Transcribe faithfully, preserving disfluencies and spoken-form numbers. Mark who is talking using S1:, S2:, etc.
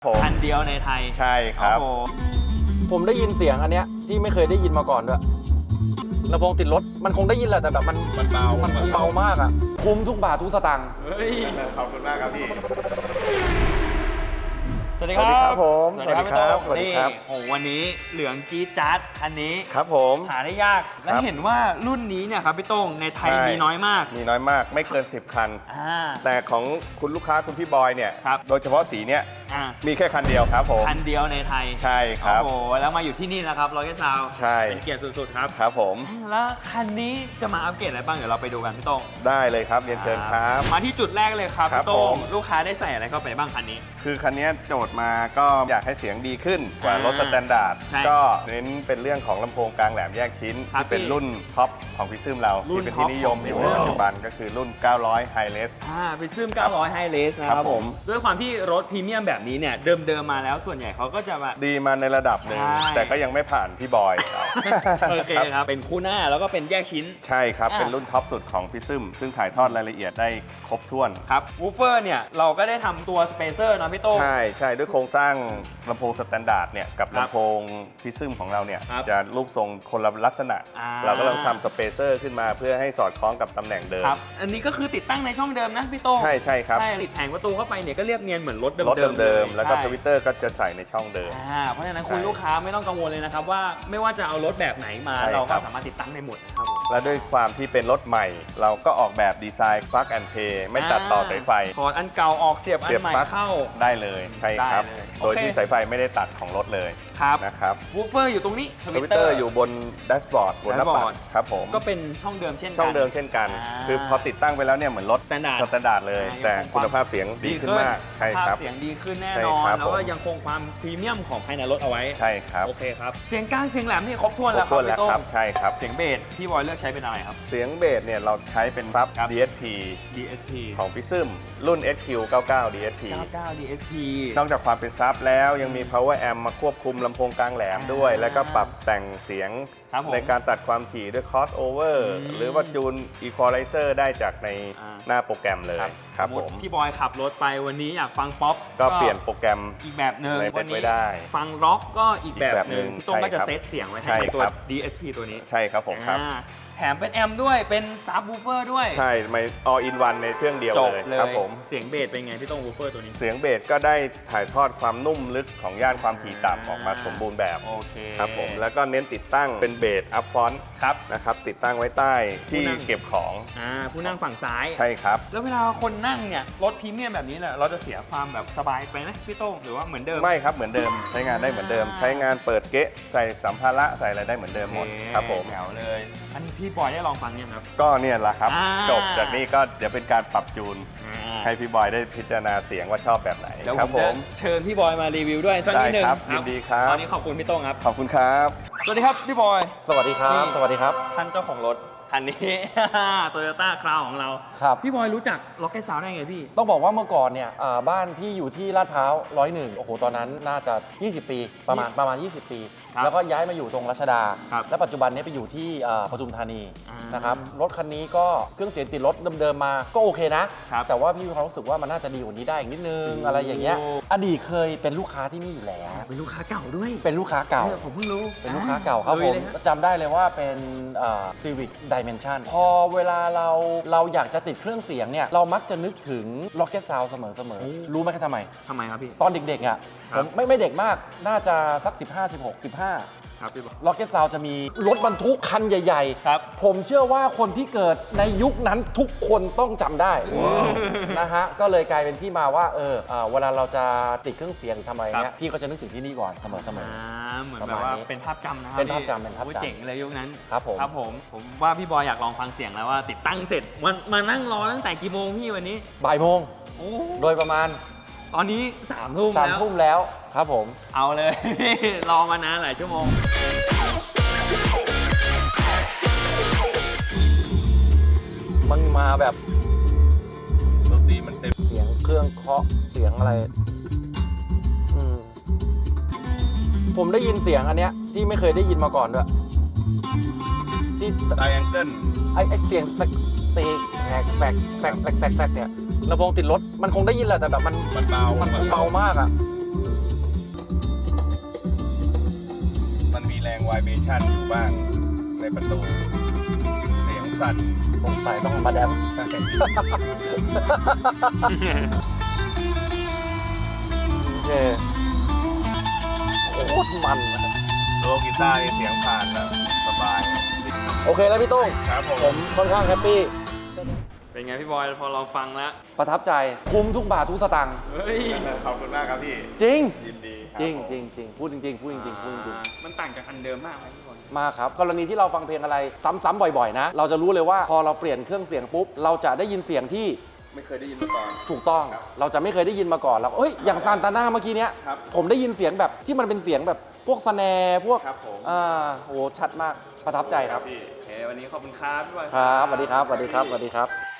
S1: คันเดียวในไทย
S2: ใช่ครับ
S3: ผมได้ยินเสียงอันเนี้ยที่ไม่เคยได้ยินมาก่อนด้วยลำโพงติดรถมันคงได้ยินแหละแต่แบบมัน
S2: มันเบา
S3: มันคงเบามากอ่ะคุ้มทุกบาททุกสตางค์
S1: เฮ้ย
S2: ขอบคุณมากครับพี่
S1: สวัสดีครับ
S2: ผม
S1: สวัสดีครับพี่โต้ง
S2: สวัสดี
S1: นี่
S2: ครับ
S1: โอ้วันนี้เหลืองจี๊ดจ๊าดคันนี้
S2: ครับผม
S1: หาได้ยากและเห็นว่ารุ่นนี้เนี่ยครับพี่โต้งในไทยมีน้อยมาก
S2: มีน้อยมากไม่เกินสิบคันแต่ของคุณลูกค้าคุณพี่บอยเนี่ยโดยเฉพาะสีเนี้ยมีแค่คันเดียวครับผม
S1: คันเดียวในไทย
S2: ใช่ครับ
S1: โอ้โหแล้วมาอยู่ที่นี่นะครับล็อกเก็ตซาวด์
S2: ใช่
S1: เป็นเกียรติสุดๆครับ
S2: ครับผม
S1: แล้วคันนี้จะมาอัปเกรดอะไรบ้างเดี๋ยวเราไปดูกันพี่โต้ง
S2: ได้เลยครับเรียนเชิญครับ
S1: มาที่จุดแรกเลยครับพี่โต้งลูกค้าได้ใส่อะไรเข้าไปบ้างคันนี้
S2: คือคันนี้โจทย์มาก็อยากให้เสียงดีขึ้นกว่ารถสแตนดาร์ดก็เน้นเป็นเรื่องของลำโพงกลางแหลมแยกชิ้นที่เป็นรุ่นท็อปของพิซึมเราที่เป็นที่นิยมอยู่ปัจจุบันก็คือรุ่นเก้าร้อย High Res
S1: อ่าพิซึมเก้าร้อย High Res นะครับผมด้วยความที่รถพรีเมียมแบบนี้เนี่ยเดิมๆมาแล้วส่วนใหญ่เขาก็จะมา
S2: ดีมาในระดับหนึ่งแต่ก็ยังไม่ผ่านพี่บอย
S1: โอเคครับเป็นคู่หน้าแล้วก็เป็นแยกชิ้น
S2: ใช่ครับเป็นรุ่นท็อปสุดของพิซึมซึ่งถ่ายทอดรายละเอียดได้ครบถ้วน
S1: ครับวูฟเฟอร์เนี่ยเราก็ได้ทำตัวสเปเซอร์นะพี่โต้ง
S2: ใช่ใช่ด้วยโครงสร้างลำโพงสแตนดาร์ดเนี่ยกับลำโพงพิซึมของเราเนี่ยจะรูปทรงคนละลักษณะเราก็เลยทำสเปเซอร์ขึ้นมาเพื่อให้สอดคล้องกับตำแหน่งเดิม
S1: ครับอันนี้ก็คือติดตั้งในช่องเดิมนะพี่โต้ง
S2: ใช่ใช่ครับ
S1: ใช่ติดแผงประตูเข้าไปเนี่ยก็เรียบเนียนเหมือนรถเดิม
S2: รถเดิมๆแล้วก็ทวิตเตอร์ก็จะใส่ในช่องเดิม
S1: เพราะฉะนั้นคุณลูกค้าไม่ต้องกังวลเลยนะครับว่าไม่ว่าจะเอารถแบบไหนมาเราก็สามารถติดตั้งได้หมดนะครับ
S2: และด้วยความที่เป็นรถใหม่เราก็ออกแบบดีไซน์ plug and play ไม่ตัดต่อสายไฟ
S1: ถอดอันเก่าออกเสียบอันใหม่เข้า
S2: ได้เลยใช่ครับโดยที่สายไฟไม่ได้ตัดของรถเลยนะครับ
S1: วูฟเฟอร์อยู่ตรงนี้
S2: ทวิตเตอร์อยู่บนแดชบอร์ดบนหน้าปัดครับผม
S1: ก็เป็นช่องเดิมเช่นกัน
S2: ช่องเดิมเช่นกันคือพอติดตั้งไปแล้วเนี่ยเหมือนรถสแตนดาร์ดเลยแต่คุณภาพเสียงดีขึ้นมากใช่ครับ
S1: เสียงดีขึ้นแน่นอนแล้วก็ยังคงความพรีเมียมของภายในรถเอาไว้
S2: ใช่ครับ
S1: โอเคครับเสียงกลางเสียงแหลมนี่ครบถ้วนแล้วครับพี่โต้ง
S2: ใช่ครับ
S1: เสียงเบสพี่บอยเลือกใช้เป็นอะไรครับ
S2: เสียงเบสเนี่ยเราใช้เป็นซับ ดี เอส พี
S1: ดี เอส พี
S2: ของพิซึมรุ่น เอส คิว เก้าเก้า ดี เอส พี
S1: เก้าเก้า ดี เอส พี
S2: นอกจากความเป็นซับแล้วยังมี power amp มาควบคุมลำโพงกลางแหลมด้วยแล้วก็ปรับแต่งเสียงในการตัดความถี่ด้วย crossover หรือว่าจูน equalizer ได้จากในหน้าโปรแกรมเลยครับผม
S1: พี่บอยขับรถไปวันนี้อยากฟังป๊อป
S2: ก็เปลี่ยนโปรแกรม
S1: อีกแบบหนึ่ง
S2: วันนี้
S1: ฟังร็อกก็อีกแบบหนึ่งพี่ต้นก็จะเซตเสียงไว้ในตัว ดี เอส พี ตัวนี้
S2: ใช่ครับผมครับ
S1: แถมเป็นแอมด้วยเป็นซับวูฟเฟอร์ด้วย
S2: ใช่ไม่ all in one ในเครื่องเดียวเลยครับผม
S1: เสียงเบสเป็นไงพี่ต้องวูฟเฟอร์ตัวนี้
S2: เสียงเบสก็ได้ถ่ายทอดความนุ่มลึกของย่านความถี่ต่ำออกมาสมบูรณ์แบบ
S1: โอเค
S2: ครับผมแล้วก็เน้นติดตั้งเป็นเบสอัพฟอนต์
S1: ครับ
S2: นะครับติดตั้งไว้ใต้ที่เก็บของ
S1: อ่าผู้นั่งฝั่งซ้าย
S2: ใช่ครับ
S1: แล้วเวลาคนนั่งเนี่ยรถพรีเมียมแบบนี้แหละเราจะเสียความแบบสบายไปไหมพี่โต้งหรือว่าเหมือนเดิม
S2: ไม่ครับเหมือนเดิมใช้งานได้เหมือนเดิมใช้งานเปิดเก๊ะใส่สัมภาระใส่อะไรได้เหมือนเดิมหมดครับผม
S1: แถวเลยอันนี้พี่บอยได้ลองฟังยังครับ
S2: ก็เนี่ยแหละครับจบจากนี้ก็เดี๋ยวเป็นการปรับจูนให้พี่บอยได้พิจารณาเสียงว่าชอบแบบไหน
S1: ครับผมเชิญพี่บอยมารีวิวด้วยสักนิดนึง
S2: ครับยินดีครับ
S1: ตอนนี้ขอบคุณพี่โต้งครับ
S2: ขอบคุณครับ
S1: สวัสดีครับพี่บอย
S3: สวัสดีครับสวัสดีครับ
S1: ท่านเจ้าของรถคันนี้ โตโยต้าคราวของเรา
S3: ครับ
S1: พี่บอยรู้จักล็อกเก็ตซาวด์ได้ไงพี่
S3: ต้องบอกว่าเมื่อก่อนเนี่ยบ้านพี่อยู่ที่ลาดพร้าวร้อยหนึ่งโอ้โหตอนนั้นน่าจะยี่สิบปีประมาณประมาณยี่สิบปีแล้วก็ย้ายมาอยู่ตรงรัชดาและปัจจุบันนี้ไปอยู่ที่ปทุมธานีนะครับรถคันนี้ก็เครื่องเสียงติดรถเดิมๆมาก็โอเคนะแต่ว่าพี่มีความรู้สึกว่ามันน่าจะดีกว่านี้ได้อีกนิดนึงอะไรอย่างเงี้ยอดีตเคยเป็นลูกค้าที่นี่อยู่แล้ว
S1: เป็นลูกค้าเก่าด้วย
S3: เป็นลูกค้าเก่า
S1: ผมเพิ่งรู้
S3: เป็นลูกค้าเก่าครับผมจำได้เลยว่าเป็นCivic Dimension พอเวลาเราเราอยากจะติดเครื่องเสียงเนี่ยเรามักจะนึกถึง Rocket Sound เสมอๆรู้ไหมครับทำไม
S1: ทำไมครับพี่
S3: ตอนเด็กๆอ่ะผมไม่ไม่เด็กมากน่าจะสักสิบห้า สิบหก สิบห้า
S1: ครับพี่บอก
S3: Rocket Sound จะมีรถบรรทุกคันใหญ่
S1: ๆครับ
S3: ผมเชื่อว่าคนที่เกิดในยุคนั้นทุกคนต้องจำได้นะฮะก็เลยกลายเป็นที่มาว่าเออเวลาเราจะติดเครื่องเสียงทำอะไรเงี้ยพี่ก็จะนึกถึงที่นี่ก่อนเสมอๆ
S1: เหมือนแบบว่าเป็นภาพจำนะครับ
S3: เป็นภาพจำเป็นภาพจำ
S1: เจ๋งเลยยุคนั้น
S3: ครับผม
S1: ครับผมผมว่าพี่บอยอยากลองฟังเสียงแล้วว่าติดตั้งเสร็จมันมานั่งรอตั้งแต่กี่โมงพี่วันนี้
S3: บ่ายโมงโดยประมาณ
S1: ตอนนี้สามทุ่ม
S3: สามทุ่มแล้วครับผม
S1: เอาเลยรอมานานหลายชั่วโมง
S3: มันมาแบบ
S2: ดนตรีมันเต็ม
S3: เสียงเครื่องเคาะเสียงอะไรผมได้ยินเสียงอันเนี้ยที่ไม่เคยได้ยินมาก่อนด้วยที่
S2: ไดแองเกิล
S3: ไอ้ไอ้เสียงแตกแตกแตกแตกแตกแตกแตกเนี่ยลำโพงติดรถมันคงได้ยินแหละแต่แบบมัน
S2: มันเบา
S3: มันคงเบามากอ่ะ
S2: vibration อยู่บ้างในประตู เสียงสั่น
S3: สงสัยต้องมาแดม โอเคโคตรมันอะ
S2: โลกีตาร์นี่เสียงผ่านแล้วสบาย
S3: โอเคแล้วพี่ตุ้ง
S2: ครับผม
S3: ผมค่อนข้างแฮปปี้
S1: เป็นไงพี่บอยพอเราฟังแล้ว
S3: ประทับใจคุ้มทุกบาททุกสตางค์
S1: เฮ้ย
S2: ขอบคุณมากครับพี่
S3: จริง
S2: ยินดีคบ
S3: จริง
S2: ผม
S3: จริงจริงพูดจริงๆพูดจริงๆพูดจริง
S1: อ่ามันต่างจากอันเดิมมากไหมพี่บอย
S3: ๆมากครับ กรณีที่เราฟังเพลงอะไรซ้ำๆบ่อยๆนะ เราจะรู้เลยว่าพอเราเปลี่ยนเครื่องเสียงปุ๊บ เราจะได้ยินเสียงที่
S2: ไม่เคยได้ยินมาก่อน
S3: ถูกต้อง
S2: ครับ
S3: เราจะไม่เคยได้ยินมาก่อนเราเอ้ยอย่างซานตาน่าเมื่อกี้เนี้ย
S2: ครับ
S3: ผมได้ยินเสียงแบบที่มันเป็นเสียงแบบพวกสแนร์พวก
S2: ครับผม
S3: อ่าโหชัดมากประทับใจครับ
S2: พี่
S1: โอเค วันนี้ขอบคุณครับพี่บอย
S3: ครับสวัสดีครับสวัสดีครับสวัสดีครับ